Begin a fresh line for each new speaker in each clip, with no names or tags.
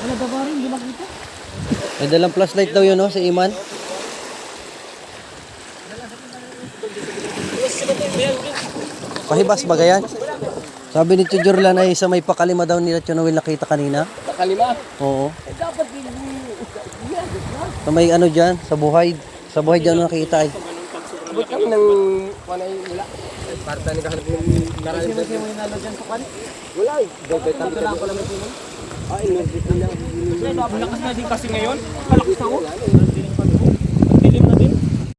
Wala ba ba rin? Hindi makita.
May dalang flashlight daw yun, no, si Iman. Pahibas ba yan? Sabi ni Tijurlan ay sa may pakalima daw nila Chonawil nakita kanina.
Pakalima?
Oo.
Dapat din.
Sa may ano dyan, sa buhay. Sa buhay dyan nakita ay.
Abot kami ng panay nila. Parta ni kahanap yung maraming kasi mo yung nalo dyan sa kan? Wala eh. Ito lang ko lang ito. Ay, inulit nila.
Malakas na din kasi ngayon. Malakas ako. Dilim na din.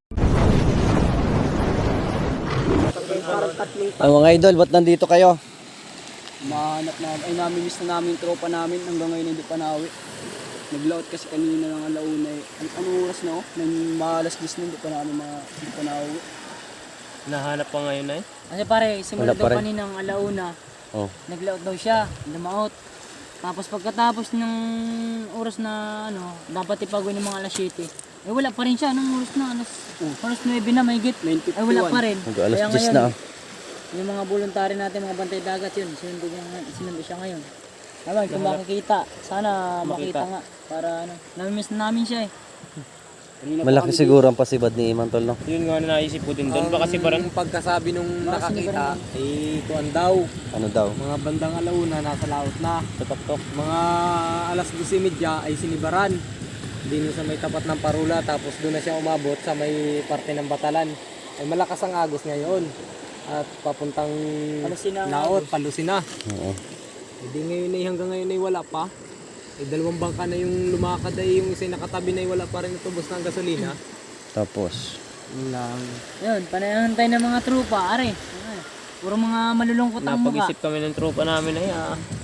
Ang mga idol, ba't nandito kayo?
Mahanap na, ay namimiss na namin yung tropa namin hanggang ngayon hindi pa nauwi. Naglaot kasi kanina ng alauna eh. Anong oras na oh? Nang malas 10 na hindi pa nauwi.
Nahanap pa ngayon eh.
Kasi pare, simula
Wala pa
daw
rin.
kaninang alauna,
Oh.
naglaot daw siya, lumaot. Tapos pagkatapos ng oras na ano, dapat ipagawin ng mga alas 7. Eh wala pa rin siya, anong oras na? Alas 9 na mahigit.
9:51.
Ay wala pa rin.
Mag-alas
Kaya
10
ngayon,
na.
yung mga voluntary natin, mga bantay dagat yun, sinundo siya ngayon. Naman, kung makikita, sana makita nga. Para ano, namimiss na namin siya eh.
Kanina pa
Malaki
kami
siguro ang pasibad ni Iman tol, no?
Yun nga na naisip ko din doon. Baka kasi parang
Ang pagkasabi nung nakakita, eh, tuwan daw.
Ano daw?
Mga bandang alauna, nasa laot na.
tutok-tok.
Mga alas 12:30 ay sinibaran. Din sa may tapat ng Parula, tapos doon na siya umabot sa may parte ng Batalan. Ay malakas ang agos ngayon. At papuntang
Palusina ang
laot, Palusina.
Oo.
Hindi ngayon ay hanggang ngayon ay wala pa. Eh, dalawang bangka na yung lumakad ay yung isa nakatabi na ay wala pa rin natubos ng gasolina.
Tapos,
Yun lang.
Yun, panayantay ng mga trupa, are. Puro mga malulungkot ang mukha.
Napag-isip kami ng tropa namin ay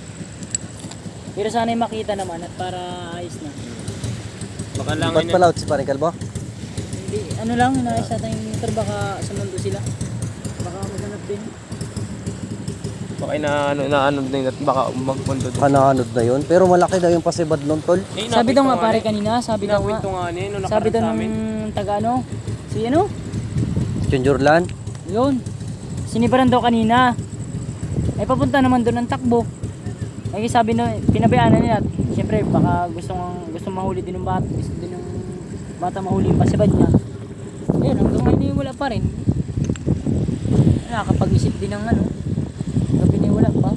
Pero sana'y makita naman at para ayos na.
baka lang
ba't pala out si Paring Kalbo?
Hindi, ano lang, inaayos natin yung motor, baka sumundo sila. Baka maghanap din.
baka na ano din at baka magpundo din.
Kananod na yun. Pero malaki daw yung pasibad nun, tol.
Eh,
Sabi daw nga
nakwento
pare
eh.
kanina, sabi daw nga,
Nakwento nga niya nung
sabi daw
nakaraan sa amin.
nung taga ano, si ano,
Chonjurlan.
yun, sinibaran daw kanina. Ay papunta naman doon ng takbo. Ay sabi na, pinabayaan na nila. Siyempre baka gusto mahuli din ng bata, gusto din ng bata mahuli yung pasibad niya. Ayun, hanggang ngayon wala pa rin. Nakakapag-isip din ng ano, gabi na wala pa.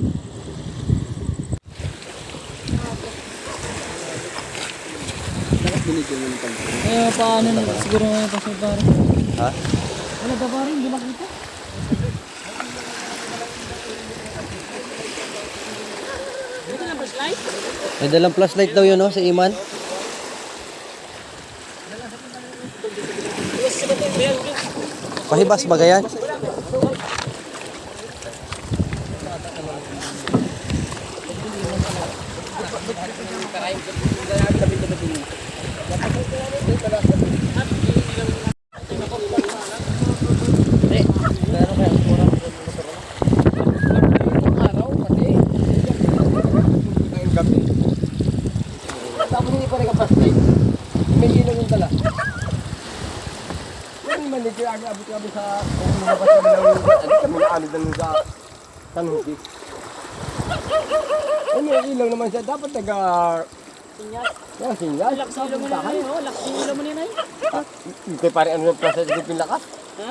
Bakit binigyan mo ng pagkakas?
Eh paano na, siguro na pa siya pare.
Ha?
Wala ba pare, hindi makita.
May dalang flashlight daw yun, no, si Iman. Pahibas ba yan?
Tapos hindi pa nagka-flashlight. May ilaw yung dala. Yung manager, abot-abot sa kung lumabas yung ilaw yung dala. Ano kami naano dala sa tanhuti. Ay, may ilaw naman siya. Dapat nag-
Sinyas.
Yan, sinyal.
Lakas ulo mo na yun, oh. Lakas ulo mo na yun, ay.
Hindi pare ano yung process ng pinlakas.
Ha?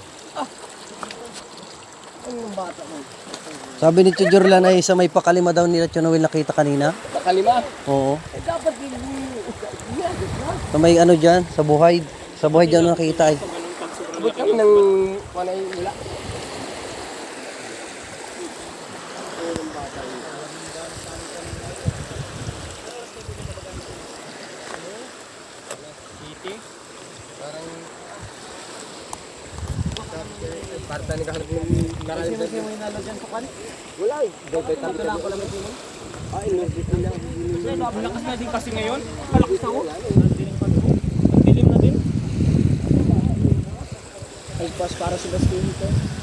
Ano yung bata mo?
Sabi ni Tijurlan ay sa may pakalima daw nila Chonawil nakita kanina.
Nakalima.
Oo.
Eh dapat din.
Sa may ano dyan, sa buhay. Sa buhay dyan nakita ay.
Abot kami ng panay nila. Parta ni kahanap yung maraming kasi mo yung nalo dyan sa kan? Wala eh. Ito lang ko lang ito. Ay, inulit nila.
Malakas na din kasi ngayon. Malakas ako. Dilim na din.
Ay, pas para sa basket ito.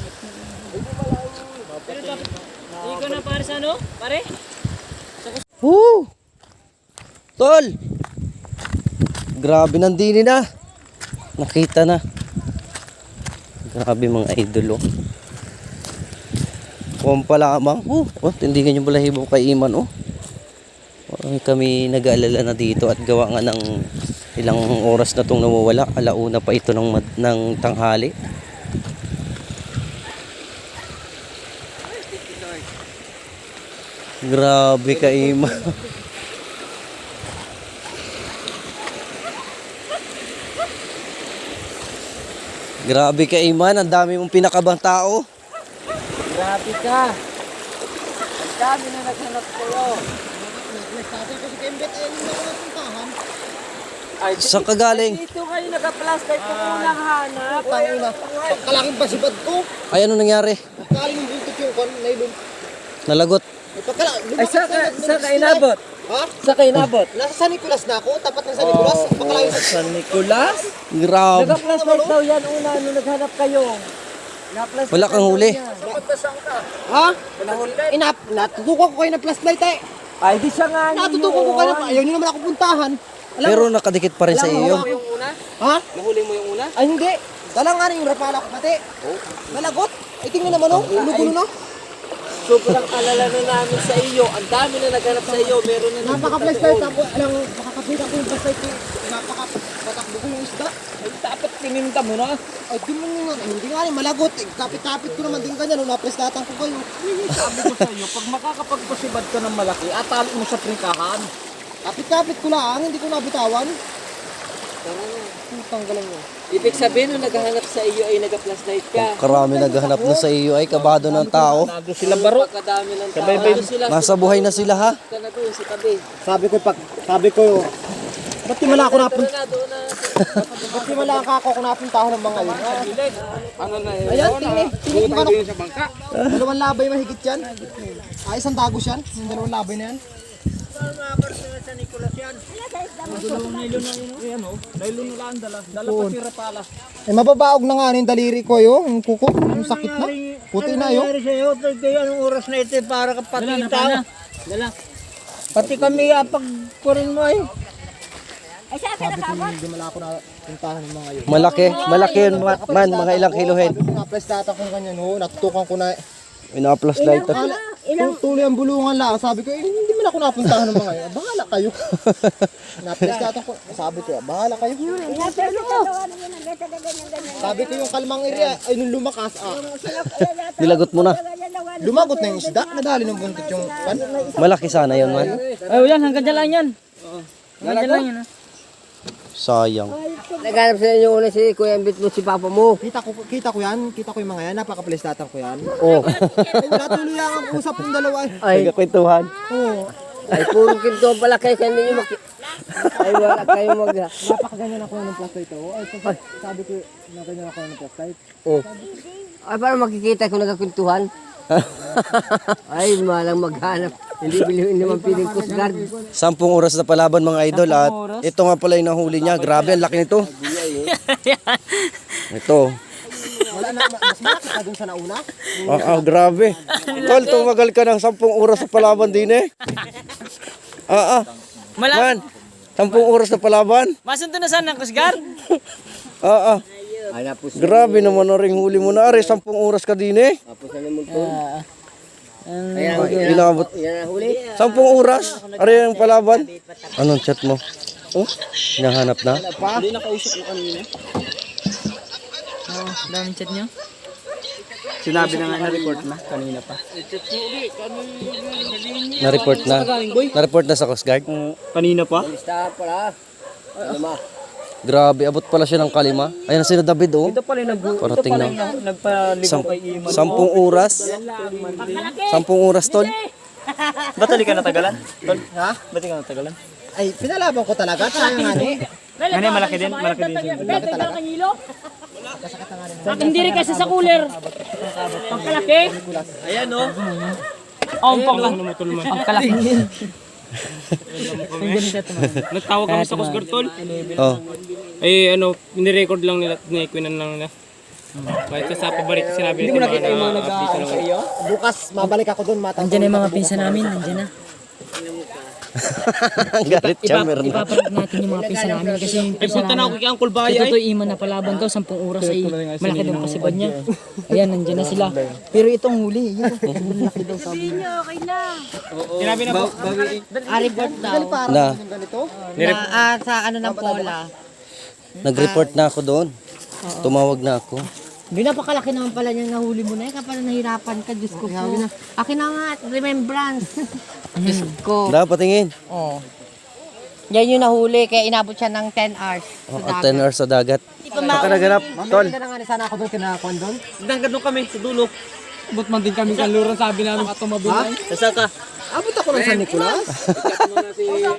Ikaw na pare sa ano? Pare?
Woo! Tol! Grabe nandini na. Nakita na. Grabe mga idol, oh. Kumpala lamang. Oh, tindigan yung balahibo kay Iman, oh. Kami nag-aalala na dito at gawa nga ng ilang oras na itong nawawala. Alauna pa ito ng tanghali. Grabe ka, Ima. Grabe ka, Iman. Ang dami mong pinakabang tao.
Grabe ka. Ang dami na naghanap sa'yo. Ay,
Saan ka galing?
dito kayo naka-plastic ko unang hanap.
Kalaking pasibad ko.
Ay, ano nangyari?
Kaling yung buntot yung kon, nailon.
Nalagot.
Ay, sa kainabot.
Ha?
Sa kainabot.
Nasa San Nicolas na ako, tapat ng San Nicolas. Pakalayo sa
San Nicolas?
Grabe.
Naka-plastic daw yan una nung naghanap kayo. Na-plastic
Wala kang huli.
Ha? Natutukan ko kayo ng flashlight eh.
Ay, di siya nga
Natutukan ko kayo na, ayaw nyo naman ako puntahan.
Pero nakadikit pa rin sa iyo.
Ha?
Nahuli mo yung una?
Ay hindi. Dala nga rin yung rapala ko pati. Nalagot. Ay tingnan naman oh, ulo-gulo na.
Sobrang alala na namin sa iyo. Ang dami na naghanap sa iyo. Meron na
Napaka-flashlight ako. Alam, makakapita ko yung flashlight ko. Napaka-patakbo ko yung isda.
Ay, dapat tininda mo na.
Ay di mo nga, hindi nga rin malagot. Eh, kapit-kapit ko naman din ganyan. Napreslatan ko kayo.
Sabi ko sa iyo, pag makakapagpasibad ka ng malaki, atali mo sa prikahan.
Kapit-kapit ko lang, hindi ko nabitawan. Putang galang mo.
Ibig sabihin, nung naghahanap sa iyo ay nag-flashlight ka.
Karami naghahanap na sa iyo ay kabado ng tao.
Nado sila baro. Pagkadami ng tao. Nado sila.
Nasa buhay na sila ha.
Ka na doon sa tabi.
Sabi ko, ba't di mala ako napunta?
Na doon na.
Ba't di mala ako napuntahan ng mga yun?
Ano na yun?
Ayan, tingin mo sa bangka. Dalawang labay mahigit yan. Ay, isang dagos yan. Yung dalawang labay na yan. Eh, mababaog na nga yung daliri ko yun. Yung kuko, yung sakit na. Puti na yun.
Anong oras na ito para kapatita? Dala. Pati kami pagpurin mo ay.
Sabi ko, hindi mala ako napuntahan ng mga yun.
Malaki yun man, mga ilang kilohen.
Naplastata ko ganyan, ho. Natutukan ko na.
Ina-flashlight.
Tuloy ang bulungan lang. Sabi ko, hindi man ako napuntahan ng mga yun. Bahala kayo. Naplastata ko. Sabi ko, bahala kayo. Sabi ko yung kalmang area, ay nung lumakas,
Nilagot mo na.
lumagot na yung isda. Nadali ng buntot yung pan.
Malaki sana yun man.
Ay, yan, hanggang dyan lang yan. Hanggang dyan lang yan.
Sayang.
Naghanap sa inyo una si Kuya Ambit mo, si Papa mo.
Kita ko yan. Kita ko yung mga yan. Napaka-plastatan ko yan.
Oh.
Wala tuloy lang ang usap ng dalawa.
Ay,
Nagkakwentuhan.
Oo.
ay puro kinto pala kayo sa ninyo. Ay, wala kayo
Napakaganyan ako ng flashlight ko. Ay, sabi ko, naganyan ako ng flashlight.
Ay, para makikita kung nagkakwentuhan. Ay, malang maghanap. Hindi bilhin naman piling Coast Guard.
10 oras na palaban mga idol at ito nga pala yung nahuli niya. Grabe, ang laki nito. Ito.
Wala na, mas malaki ka dun sa nauna.
Grabe. Tol, tumagal ka ng 10 oras sa palaban din eh. Man, 10 oras na palaban.
Masunod na saan ng Kusgar?
Ay, napos
Grabe naman na ring huli mo na. Are, 10 oras ka din eh.
na naman to.
Inabot.
Yan ang huli.
10 oras. Are yung palaban. Anong chat mo? Oh, hinahanap na.
Hindi nakausap ko kanina.
Daming chat nyo.
Sinabi na nga na-report na kanina pa.
Na-report na. Na-report na sa Coast Guard.
Kanina pa?
Listahan pala. Ano ma?
Grabe, abot pala siya ng kalima. Ayan na sila David oh.
Ito pala yung
Parating na.
nagpaligaw kay Iman.
10 oras. 10 oras, tol.
Ba't hindi ka natagalan? Ha? Ba't hindi ka natagalan?
Ay, pinalaban ko talaga. Sayang nga ni.
Ano malaki din? Malaki din siya.
Beto ito kanyilo? Hindi rin kasi sa cooler. Pangkalaki?
Ayan o.
Ang kalaki.
Nagtawag kami sa Coast Guard tol.
Oh.
Ay ano, ni-record lang nila, ni-equinan lang nila. Kahit sa paborito sinabi nila mga update lang.
Bukas, mabalik ako dun.
Nandiyan na yung mga pinsan namin. Nandiyan na.
Galit siya, meron na.
Ipaparag natin yung mga pisa namin kasi yung pisa namin.
kay Uncle Baya
Ito iman na palaban daw, 10 oras ay malaki daw kasibad niya. Ayan, nandiyan na sila. Pero itong huli, yun. Malaki daw sabi niya.
Sinabi na po.
Report daw.
Na,
Sa ano ng Pola.
nag-report na ako doon. Tumawag na ako.
Di napakalaki naman pala niyang nahuli mo na eh. Kapag nahirapan ka, Diyos ko po. Akin na nga, remembrance. Diyos ko.
Dapat tingin.
Oh. Yan yung nahuli, kaya inabot siya ng 10 hours.
At 10 hours sa dagat.
Pagkanaganap, tol.
Sana ako doon kinakakuan doon.
Nagkano kami sa dulo. Ba't man din kami kanluran, sabi namin katumabunay. Sasa ka.
Abot ako ng San Nicolas.